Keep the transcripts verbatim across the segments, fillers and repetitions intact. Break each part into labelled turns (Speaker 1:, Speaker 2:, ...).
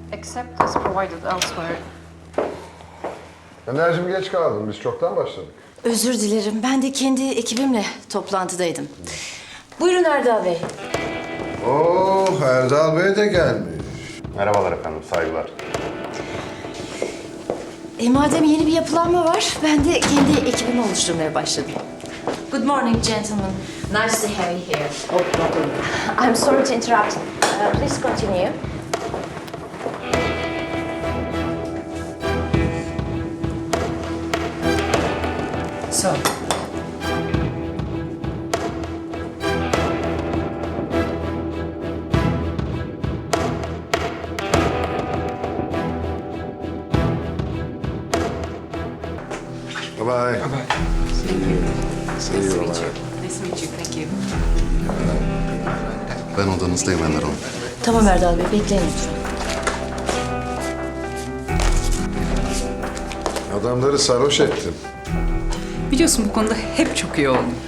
Speaker 1: except as provided elsewhere.
Speaker 2: Enerjim geç kaldım. Biz çoktan başladık.
Speaker 3: Özür dilerim. Ben de kendi ekibimle toplantıdaydım. Buyurun Erdal Bey.
Speaker 2: Oh, Erdal Bey de gelmiş.
Speaker 4: Merhabalar efendim, saygılar.
Speaker 3: E madem yeni bir yapılanma var, ben de kendi ekibimi oluşturmaya başladım. Good morning, gentlemen. Nice to have you here. Oh, no problem. I'm sorry to interrupt. Uh, please continue. So.
Speaker 2: Bye bye. See you. See you. Bye.
Speaker 1: Nice to meet you. Thank you.
Speaker 4: Ben odanızdayım Ender Hanım.
Speaker 3: Tamam Erdal Bey, bekleyin lütfen.
Speaker 2: Adamları sarhoş ettin.
Speaker 1: Biliyorsun bu konuda hep çok iyi oldum.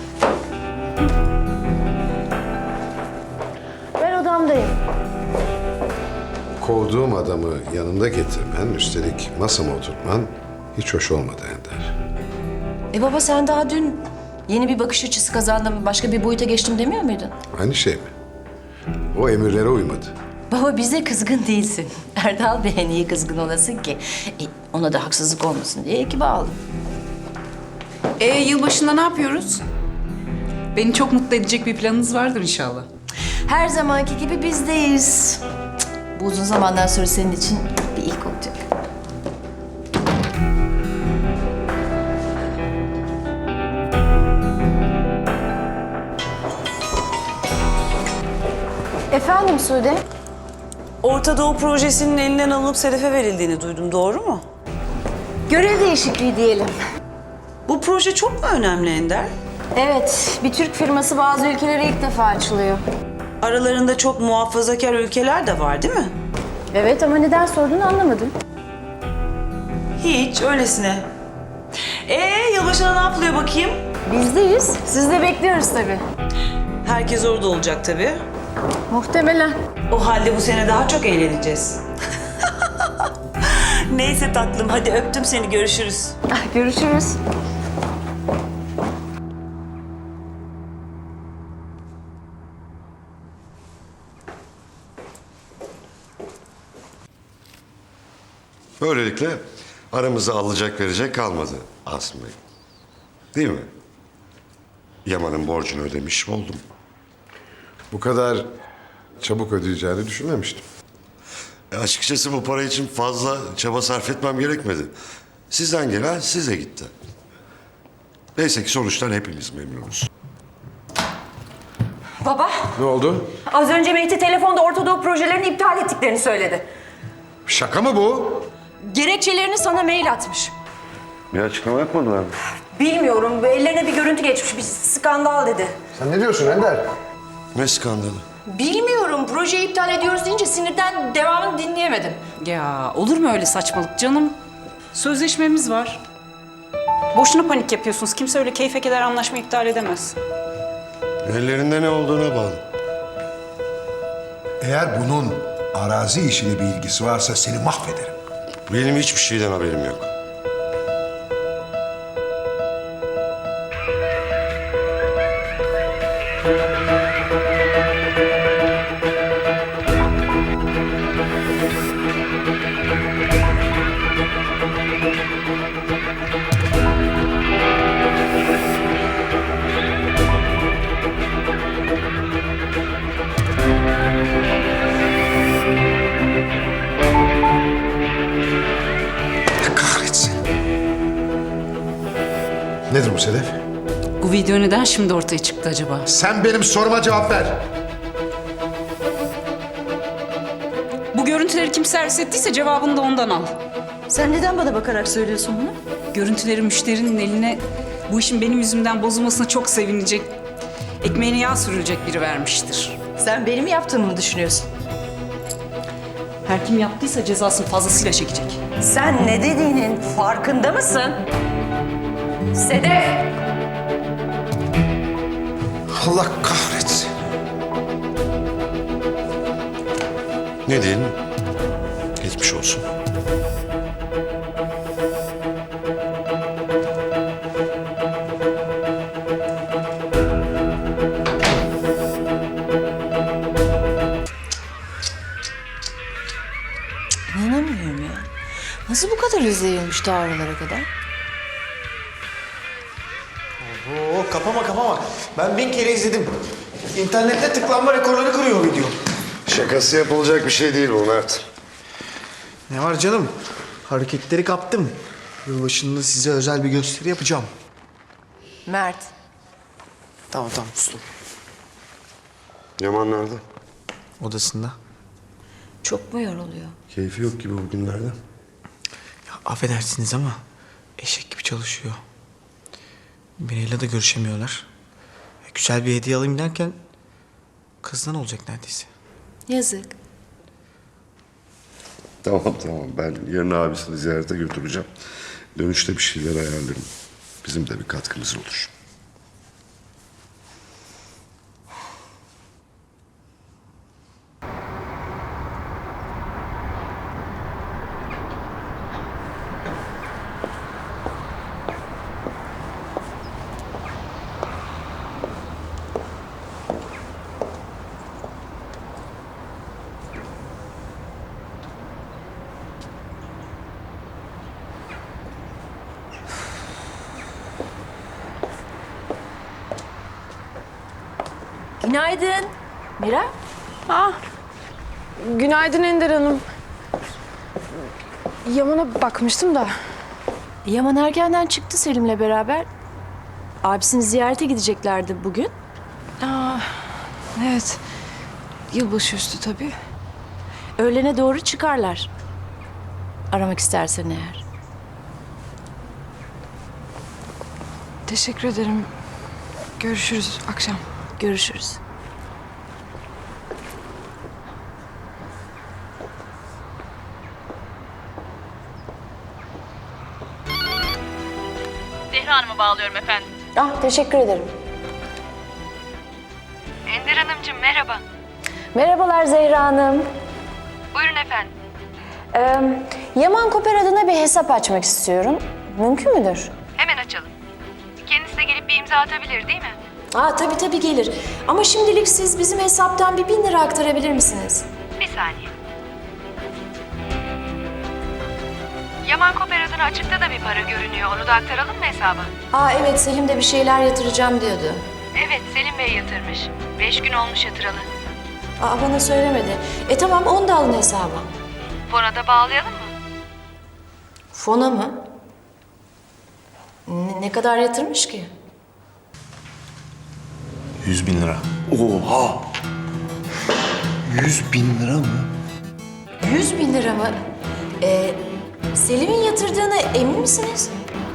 Speaker 3: Ben odamdayım.
Speaker 2: Kovduğum adamı yanında getirmen, üstelik masama oturtman hiç hoş olmadı Ender.
Speaker 3: E baba sen daha dün yeni bir bakış açısı kazandım, başka bir boyuta geçtim demiyor muydun?
Speaker 2: Aynı şey mi? O emirlere uymadı.
Speaker 3: Baba bize kızgın değilsin. Erdal Bey'e niye kızgın olasın ki? E, ona da haksızlık olmasın diye ekibe aldım.
Speaker 1: Ee, yılbaşında ne yapıyoruz? Beni çok mutlu edecek bir planınız vardır inşallah.
Speaker 3: Her zamanki gibi bizdeyiz. Cık, bu uzun zamandan sonra senin için bir ilk olacak. Efendim Sude?
Speaker 5: Orta Doğu projesinin elinden alınıp Sedef'e verildiğini duydum, doğru mu?
Speaker 3: Görev değişikliği diyelim.
Speaker 5: Bu proje çok mu önemli Ender?
Speaker 3: Evet, bir Türk firması bazı ülkelere ilk defa açılıyor.
Speaker 5: Aralarında çok muhafazakar ülkeler de var değil mi?
Speaker 3: Evet ama neden sorduğunu anlamadım.
Speaker 5: Hiç, öylesine. Ee, yılbaşına ne yapılıyor bakayım?
Speaker 3: Bizdeyiz. Siz de bekliyoruz tabii.
Speaker 5: Herkes orada olacak tabii.
Speaker 3: Muhtemelen.
Speaker 5: O halde bu sene daha çok eğleneceğiz. Neyse tatlım, hadi öptüm seni, görüşürüz.
Speaker 3: Ah, görüşürüz.
Speaker 6: Böylelikle aramıza alacak verecek kalmadı Asım Bey. Değil mi? Yaman'ın borcunu ödemiş oldum.
Speaker 2: Bu kadar çabuk ödeyeceğini düşünmemiştim.
Speaker 6: E açıkçası bu para için fazla çaba sarf etmem gerekmedi. Sizden gelen size gitti. Neyse ki sonuçtan hepimiz memnunuz.
Speaker 7: Baba,
Speaker 2: Ne oldu?
Speaker 7: az önce Mehdi telefonda Orta Doğu projelerini iptal ettiklerini söyledi.
Speaker 2: Şaka mı bu?
Speaker 7: Gerekçelerini sana mail atmış.
Speaker 6: Bir açıklama yapmadılar mı?
Speaker 7: Bilmiyorum, ellerine bir görüntü geçmiş, bir skandal dedi.
Speaker 2: Sen ne diyorsun Ender?
Speaker 6: Ne skandalı?
Speaker 3: Bilmiyorum, projeyi iptal ediyoruz deyince sinirden devamını dinleyemedim.
Speaker 1: Ya olur mu öyle saçmalık canım? Sözleşmemiz var. Boşuna panik yapıyorsunuz. Kimse öyle keyfe keder anlaşma iptal edemez.
Speaker 6: Ellerinde ne olduğuna bağlı.
Speaker 8: Eğer bunun arazi işiyle bir ilgisi varsa seni mahvederim.
Speaker 6: Benim hiçbir şeyden haberim yok.
Speaker 8: Kahretsin. Nedir bu Sedef?
Speaker 1: Bu video neden şimdi ortaya çıktı acaba?
Speaker 8: Sen benim soruma cevap ver.
Speaker 1: Bu görüntüleri kim servis ettiyse cevabını da ondan al.
Speaker 3: Sen neden bana bakarak söylüyorsun bunu?
Speaker 1: Görüntüleri müşterinin eline bu işin benim yüzümden bozulmasına çok sevinecek, ekmeğine yağ sürülecek biri vermiştir.
Speaker 3: Sen benim yaptığımı mı düşünüyorsun?
Speaker 1: Her kim yaptıysa cezasını fazlasıyla çekecek.
Speaker 7: Sen ne dediğinin farkında mısın? Sedef!
Speaker 8: Allah kahretsin.
Speaker 6: Ne diyelim? Geçmiş olsun.
Speaker 3: İnanamıyorum ya. Nasıl bu kadar hızlı yayılmış ta oralara kadar?
Speaker 9: Oo, kapama kapama. Ben bin kere izledim. İnternette tıklanma rekorları kırıyor video.
Speaker 6: Şakası yapılacak bir şey değil bu Mert.
Speaker 9: Ne var canım? Hareketleri kaptım. Yılbaşında size özel bir gösteri yapacağım.
Speaker 3: Mert.
Speaker 9: Tamam tamam sustum.
Speaker 6: Yaman nerede?
Speaker 9: Odasında.
Speaker 3: Çok mu yoruluyor?
Speaker 6: Keyfi yok gibi bugünlerde.
Speaker 9: Ya affedersiniz ama eşek gibi çalışıyor. Miray'la da görüşemiyorlar. Ya, güzel bir hediye alayım derken kızdan olacak neredeyse.
Speaker 3: Yazık.
Speaker 6: Tamam tamam, ben yarın abisini ziyarete götüreceğim. Dönüşte bir şeyler ayarlarım. Bizim de bir katkımız olur.
Speaker 3: Günaydın. Mira.
Speaker 10: Günaydın Ender Hanım. Yaman'a bakmıştım da.
Speaker 3: Yaman erkenden çıktı Selim'le beraber. Abisini ziyarete gideceklerdi bugün.
Speaker 10: Aa, evet. Yılbaşı üstü tabii.
Speaker 3: Öğlene doğru çıkarlar. Aramak istersen eğer.
Speaker 10: Teşekkür ederim. Görüşürüz akşam.
Speaker 3: Görüşürüz.
Speaker 11: Zehra Hanım'a bağlıyorum efendim.
Speaker 3: Ah, teşekkür ederim.
Speaker 11: Ender Hanımcığım merhaba.
Speaker 3: Merhabalar Zehra Hanım.
Speaker 11: Buyurun efendim.
Speaker 3: Ee, Yaman Koper adına bir hesap açmak istiyorum. Mümkün müdür?
Speaker 11: Hemen açalım. Kendisi de gelip bir imza atabilir değil mi?
Speaker 3: Aa, tabii tabii gelir. Ama şimdilik siz bizim hesaptan bir bin lira aktarabilir misiniz?
Speaker 11: Bir saniye. Yaman Koper adına açıkta da bir para görünüyor. Onu da aktaralım mı hesaba?
Speaker 3: Aa evet, Selim de bir şeyler yatıracağım diyordu.
Speaker 11: Evet, Selim Bey yatırmış. Beş gün olmuş yatıralı.
Speaker 3: Aa, bana söylemedi. E tamam, onu da alın hesaba.
Speaker 11: Fona da bağlayalım mı?
Speaker 3: Fona mı? Ne, ne kadar yatırmış ki?
Speaker 8: Yüz bin lira. Oha! Yüz bin lira mı?
Speaker 3: Yüz bin lira mı? Ee, Selim'in yatırdığına emin misiniz?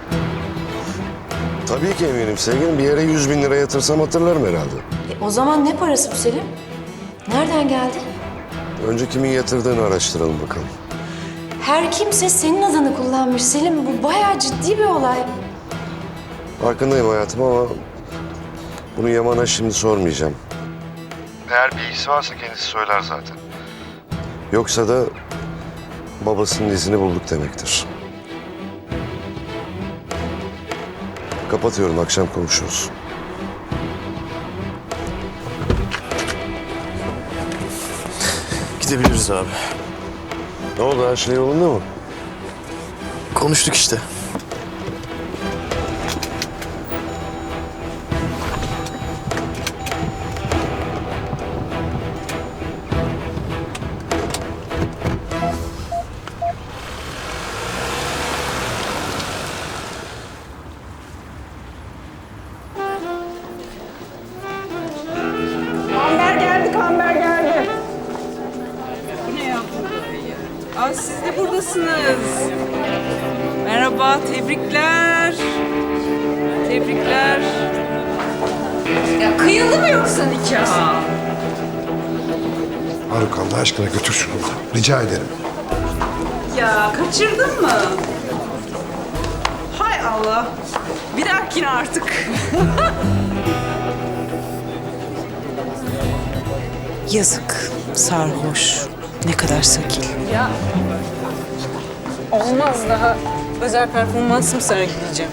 Speaker 6: Tabii ki eminim sevgilim. Bir yere yüz bin lira yatırsam hatırlarım herhalde.
Speaker 3: E, o zaman ne parası bu Selim? Nereden geldi?
Speaker 6: Önce kimin yatırdığını araştıralım bakalım.
Speaker 3: Her kimse senin adını kullanmış Selim. Bu bayağı ciddi bir olay.
Speaker 6: Farkındayım hayatım ama bunu Yaman'a şimdi sormayacağım. Eğer bilgisi varsa kendisi söyler zaten. Yoksa da babasının izini bulduk demektir. Kapatıyorum, akşam konuşuruz.
Speaker 9: Gidebiliriz abi.
Speaker 6: Ne oldu, her şey yolunda mı?
Speaker 9: Konuştuk işte.
Speaker 1: Kamber geldi, kamber geldi. Bu ne ya? Aa, siz de buradasınız. Merhaba, tebrikler. Tebrikler. Ya kıyıldı mı yoksa nikah?
Speaker 2: Faruk Allah aşkına götür şunu. Rica ederim.
Speaker 1: Ya kaçırdın mı? Hay Allah. Bir dahakine artık.
Speaker 5: Yazık, sarhoş.
Speaker 1: Ne kadar sakil. Ya olmaz, daha özel performansımı sergileyeceğim.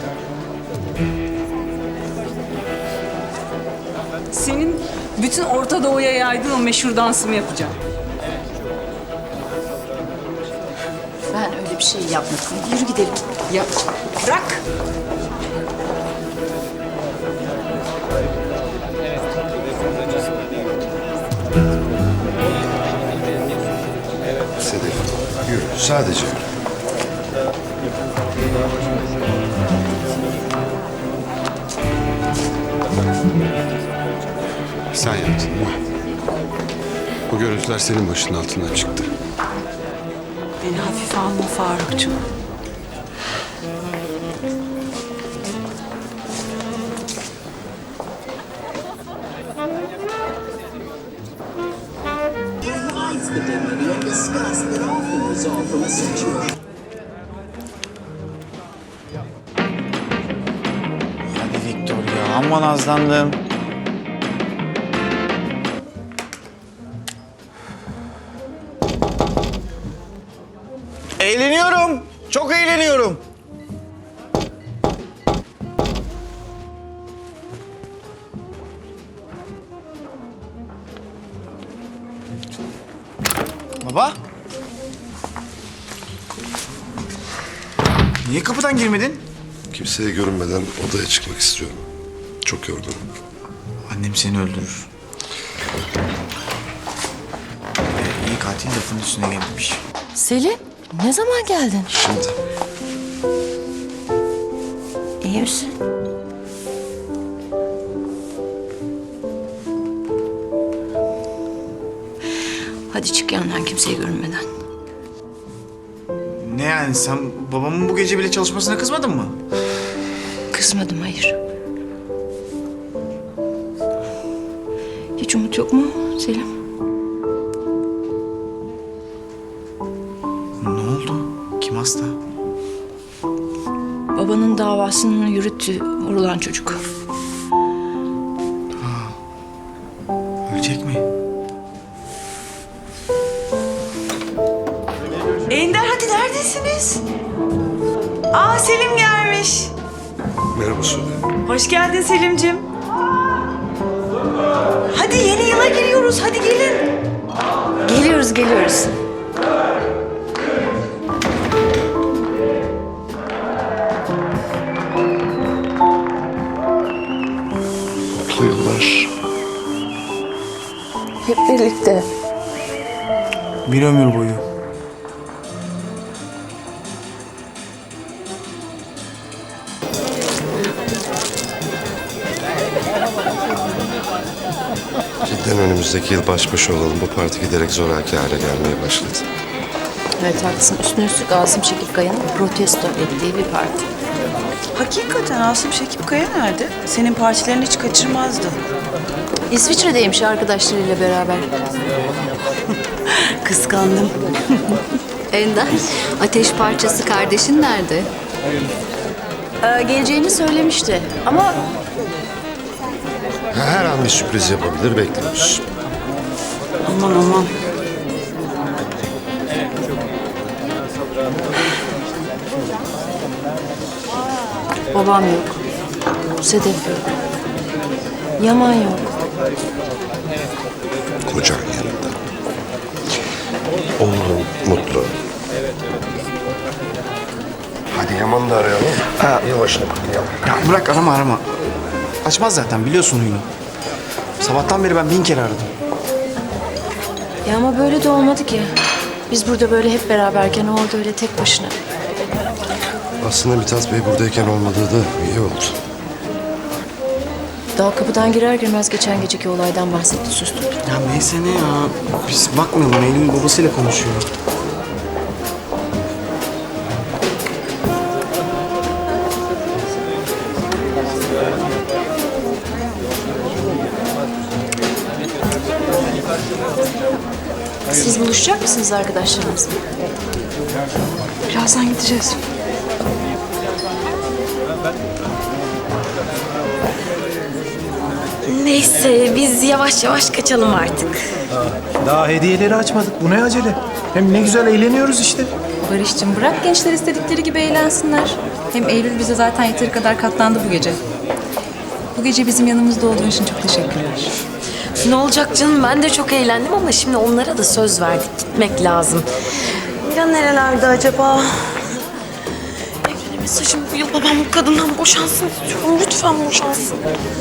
Speaker 1: Senin bütün Orta Doğu'ya yaydığın o meşhur dansımı yapacağım.
Speaker 3: Ben öyle bir şey yapmadım. Yürü gidelim.
Speaker 1: Ya bırak.
Speaker 2: Sedef, yürü. Sadece yürü.
Speaker 12: Sen yaptın değil mi? Bu görüntüler senin başının altından çıktı.
Speaker 1: Beni hafife alma Farukcuğum.
Speaker 9: Hadi Victor ya, amma nazlandım. Eğleniyorum. Çok eğleniyorum. Baba. Niye kapıdan girmedin?
Speaker 6: Kimseye görünmeden odaya çıkmak istiyorum. Çok yorgunum.
Speaker 9: Annem seni öldürür. Ee, iyi katil lafın üstüne gelmiş.
Speaker 3: Selin, ne zaman geldin?
Speaker 6: Şimdi
Speaker 3: İyi misin? Hadi çık yanından kimseye görünmeden.
Speaker 9: Ne yani, sen babamın bu gece bile çalışmasına kızmadın mı?
Speaker 3: Kızmadım, hayır. Hiç umut yok mu Selim?
Speaker 9: Ne oldu? Kim hasta?
Speaker 3: Babanın davasını yürüttü vurulan çocuk.
Speaker 9: Ölecek mi?
Speaker 5: Ender hadi neredesiniz? Aa Selim gelmiş.
Speaker 6: merhaba Sude.
Speaker 5: Hoş geldin Selim'cim. Hadi yeni yıla giriyoruz. Hadi gelin.
Speaker 3: Geliyoruz, geliyoruz.
Speaker 6: Mutlu yıllar.
Speaker 3: Hep birlikte.
Speaker 9: Bir ömür boyu.
Speaker 6: Cidden önümüzdeki yıl baş başa olalım. Bu parti giderek zoraki hale gelmeye başladı.
Speaker 3: Evet haklısın. Üstüne üstlük Asım Şekip Kaya'nın protesto ettiği bir parti.
Speaker 5: Hakikaten Asım Şekip Kaya nerede? Senin partilerini hiç kaçırmazdı.
Speaker 3: İsviçre'deymiş arkadaşlarıyla beraber.
Speaker 5: Kıskandım.
Speaker 3: Ender, ateş parçası kardeşin nerede? Ee, geleceğini söylemişti ama
Speaker 6: Her an bir sürpriz yapabilir, bekliyoruz.
Speaker 5: Aman aman.
Speaker 3: babam yok. Sedef yok. Yaman yok.
Speaker 6: Kocan yanında. Onur'un mutlu. Hadi Yaman'ı da arayalım. Yılbaşını kutlayalım.
Speaker 9: Ya bırak, arama arama. Açmaz zaten, biliyorsun huyunu. Sabahtan beri ben bin kere aradım.
Speaker 3: Ya ama böyle de olmadı ki. Biz burada böyle hep beraberken o orada öyle tek başına.
Speaker 6: Aslında Mithat Bey buradayken olmadığı da iyi oldu.
Speaker 3: Daha kapıdan girer girmez geçen geceki olaydan bahsetti, sustum.
Speaker 9: Ya neyse ne ya. Biz bakmayalım, Eylül'ün babasıyla konuşuyor.
Speaker 3: Siz buluşacak mısınız arkadaşlarınızla?
Speaker 10: Birazdan gideceğiz.
Speaker 3: Neyse biz yavaş yavaş kaçalım artık.
Speaker 9: Daha hediyeleri açmadık. Bu ne acele? Hem ne güzel eğleniyoruz işte.
Speaker 10: Barış'cığım bırak gençler istedikleri gibi eğlensinler. Hem Eylül bize zaten yeteri kadar katlandı bu gece. Bu gece bizim yanımızda olduğun için çok teşekkürler.
Speaker 3: Ne olacak canım, ben de çok eğlendim ama şimdi onlara da söz verdik, gitmek lazım.
Speaker 5: Ya nerelerde acaba?
Speaker 3: Evlene mesajım bu yıl babam bu kadından boşansın istiyorum. Lütfen boşansın.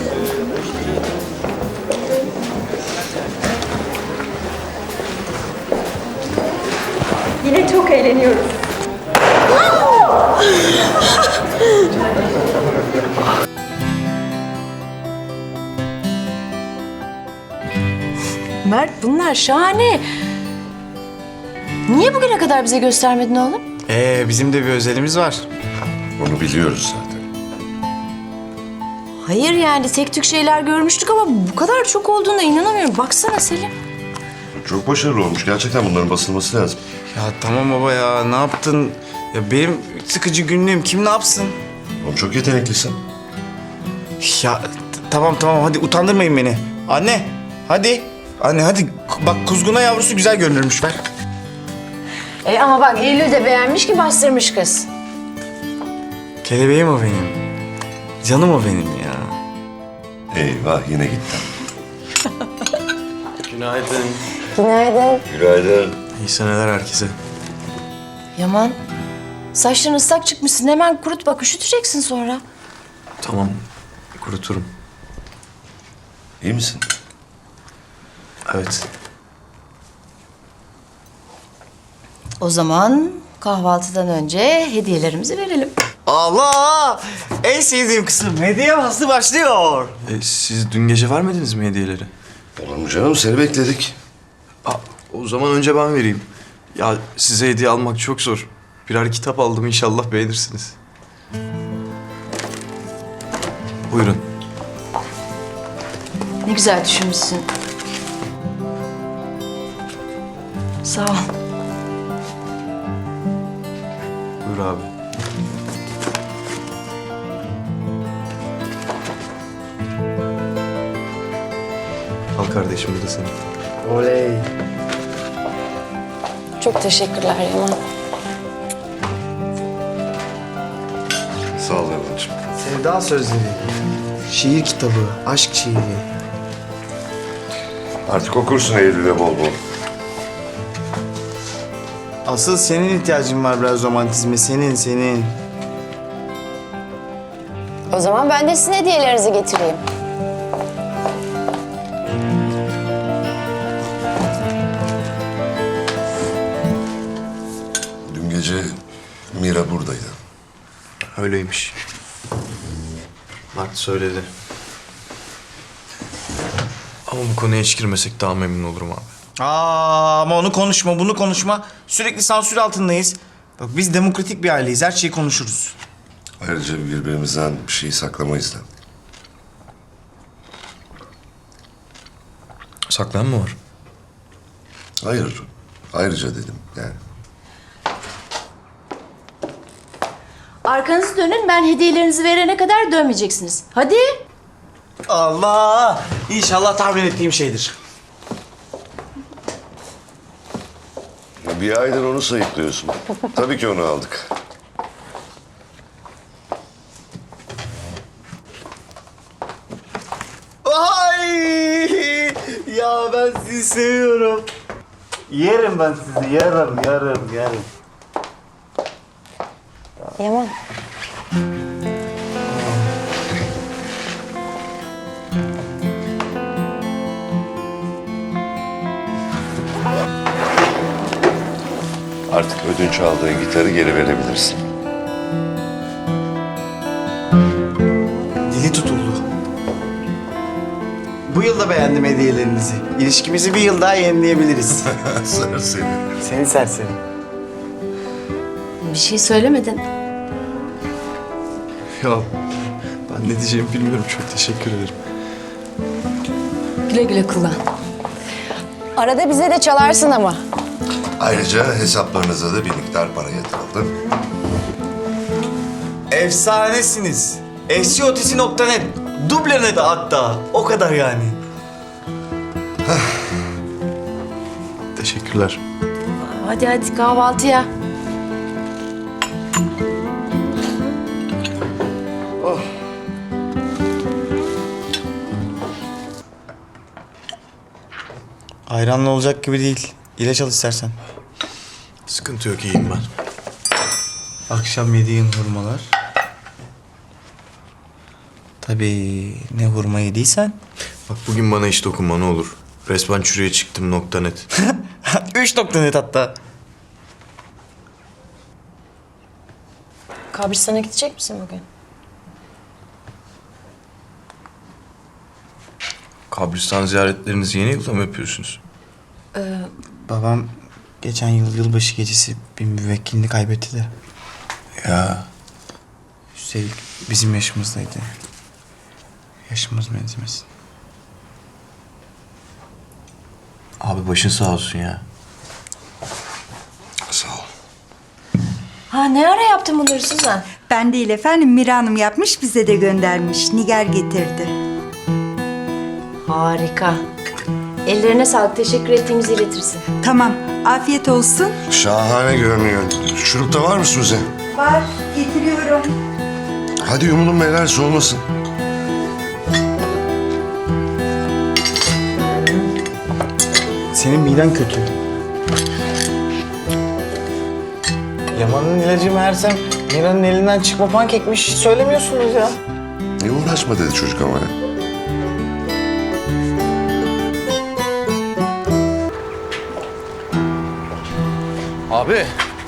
Speaker 7: Yine çok eğleniyoruz.
Speaker 3: Mert bunlar şahane. Niye bugüne kadar bize göstermedin oğlum?
Speaker 9: Ee, bizim de bir özelimiz var.
Speaker 6: Onu biliyoruz zaten.
Speaker 3: Hayır yani tek tük şeyler görmüştük ama bu kadar çok olduğuna inanamıyorum. Baksana Selim.
Speaker 6: Çok başarılı olmuş. Gerçekten bunların basılması lazım.
Speaker 9: Ya tamam baba ya, ne yaptın? Ya benim sıkıcı günlüğüm kim ne yapsın?
Speaker 6: Oğlum çok yeteneklisin.
Speaker 9: Ya t- tamam tamam, hadi utandırmayın beni. Anne, hadi. Anne hadi, bak kuzguna yavrusu güzel görünürmüş, ver.
Speaker 3: E ama bak Eylül de beğenmiş ki bastırmış kız.
Speaker 9: Kelebeğim o benim. Canım o benim ya.
Speaker 6: Eyvah yine gitti.
Speaker 9: Günaydın.
Speaker 3: Günaydın.
Speaker 6: Günaydın.
Speaker 9: İyi seneler herkese.
Speaker 3: Yaman, saçların ıslak çıkmışsın. Hemen kurut bak, üşüteceksin sonra.
Speaker 9: Tamam, kuruturum.
Speaker 6: İyi misin?
Speaker 9: Evet.
Speaker 3: O zaman kahvaltıdan önce hediyelerimizi verelim.
Speaker 9: Allah! En sevdiğim kısım, hediye faslı başlıyor.
Speaker 12: E, siz dün gece vermediniz mi hediyeleri?
Speaker 6: Olur mu canım? Seni bekledik.
Speaker 12: Aa, o zaman önce ben vereyim. Ya size hediye almak çok zor. Birer kitap aldım, inşallah beğenirsiniz. Buyurun.
Speaker 3: Ne güzel düşünmüşsün. Sağ ol.
Speaker 12: Buyur abi. Al kardeşim, bu da senin.
Speaker 9: Oley.
Speaker 3: Çok teşekkürler Yaman.
Speaker 6: Sağ ol Erman'cığım.
Speaker 9: Sevda sözleri. Şiir kitabı, aşk şiiri.
Speaker 6: Artık okursun Eylül'e bol bol.
Speaker 9: Asıl senin ihtiyacın var biraz romantizme, senin, senin.
Speaker 3: O zaman ben de sizin hediyelerinizi getireyim.
Speaker 6: Dün gece Mira buradaydı.
Speaker 12: Öyleymiş. Mert söyledi. Ama bu konuya hiç girmesek daha memnun olurum abi.
Speaker 9: Aa, ama onu konuşma, bunu konuşma. Sürekli sansür altındayız. Bak biz demokratik bir aileyiz, her şeyi konuşuruz.
Speaker 6: Ayrıca birbirimizden bir şey saklamayız da.
Speaker 12: Saklayan mı var?
Speaker 6: Hayır. Ayrıca dedim yani.
Speaker 3: Arkanızı dönün, ben hediyelerinizi verene kadar dönmeyeceksiniz. Hadi.
Speaker 9: Allah! İnşallah tahmin ettiğim şeydir.
Speaker 6: Bir aydır onu sayıklıyorsun. Tabii ki onu aldık.
Speaker 9: Ay! Ya ben sizi seviyorum. Yerim ben sizi, yarım, yarım, yarım.
Speaker 3: Yaman.
Speaker 6: Artık ödünç aldığın gitarı geri verebilirsin.
Speaker 9: Dili tutuldu. Bu yıl da beğendim hediyelerinizi. İlişkimizi bir yıl daha yenileyebiliriz.
Speaker 6: Sır seni.
Speaker 9: Seni serseri.
Speaker 3: Bir şey söylemedin.
Speaker 12: Ya ben ne diyeceğimi bilmiyorum. Çok teşekkür ederim.
Speaker 3: Güle güle kullan. Arada bize de çalarsın ama.
Speaker 6: Ayrıca hesaplarınıza da bir miktar para yatırıldı.
Speaker 9: Efsanesiniz. Eksiotisi nokta net. Dublene de hatta. O kadar yani.
Speaker 12: Teşekkürler.
Speaker 3: Hadi hadi kahvaltıya.
Speaker 9: Ayranla olacak gibi değil. İlaç al istersen.
Speaker 12: Sıkıntı yok, iyiyim ben.
Speaker 9: Akşam yediğin hurmalar. Tabii ne hurma yediysen.
Speaker 12: Bak bugün bana hiç dokunma ne olur. Resmen çürüye çıktım nokta net.
Speaker 9: Üç nokta net hatta.
Speaker 3: Kabristan'a gidecek misin bugün?
Speaker 12: Kabristan ziyaretlerinizi yeni yılda mı yapıyorsunuz?
Speaker 9: Babam geçen yıl yılbaşı gecesi bir müvekkilini kaybetti de.
Speaker 12: Ya
Speaker 9: Üstelik bizim yaşımızdaydı. Yaşımız benzemesin.
Speaker 12: abi başın sağ olsun ya.
Speaker 2: Sağ ol.
Speaker 3: Ha ne ara yaptın bunları Suzan?
Speaker 13: Ben değil efendim, Mira Hanım yapmış, bize de göndermiş. Nigar getirdi.
Speaker 3: Harika. Ellerine sağlık. Teşekkür ettiğimizi iletirsin.
Speaker 13: Tamam, afiyet olsun.
Speaker 2: Şahane görünüyor. Şurup da var mı Suzi?
Speaker 13: Var, getiriyorum.
Speaker 2: Hadi yumulun beyler, soğumasın.
Speaker 9: Senin miden kötü. Yaman'ın ilacı meğersem Mira'nın elinden çıkma pankekmiş. Hiç söylemiyorsunuz ya.
Speaker 2: Ne uğraşma dedi çocuk ama ya.
Speaker 12: Abi.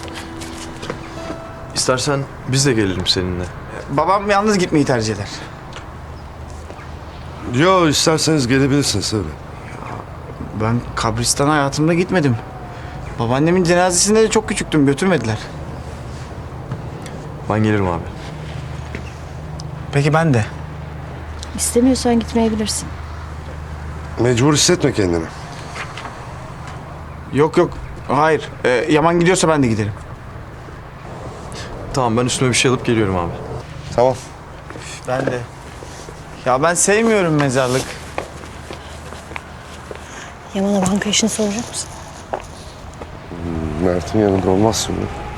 Speaker 12: İstersen biz de gelelim seninle.
Speaker 9: Babam yalnız gitmeyi tercih eder.
Speaker 2: Yo, isterseniz gelebilirsiniz tabii.
Speaker 9: Ben kabristana hayatımda gitmedim. Babaannemin cenazesinde de çok küçüktüm, götürmediler.
Speaker 12: Ben gelirim abi.
Speaker 9: Peki ben de.
Speaker 3: İstemiyorsan gitmeyebilirsin.
Speaker 2: Mecbur hissetme kendini.
Speaker 9: Yok yok, hayır. Ee, Yaman gidiyorsa ben de giderim.
Speaker 12: Tamam ben üstüme bir şey alıp geliyorum abi.
Speaker 2: Tamam.
Speaker 9: Ben de. Ya ben sevmiyorum mezarlık.
Speaker 3: Yaman'a banka işini soracak mısın?
Speaker 2: Mert'in yanında olmazsın mı?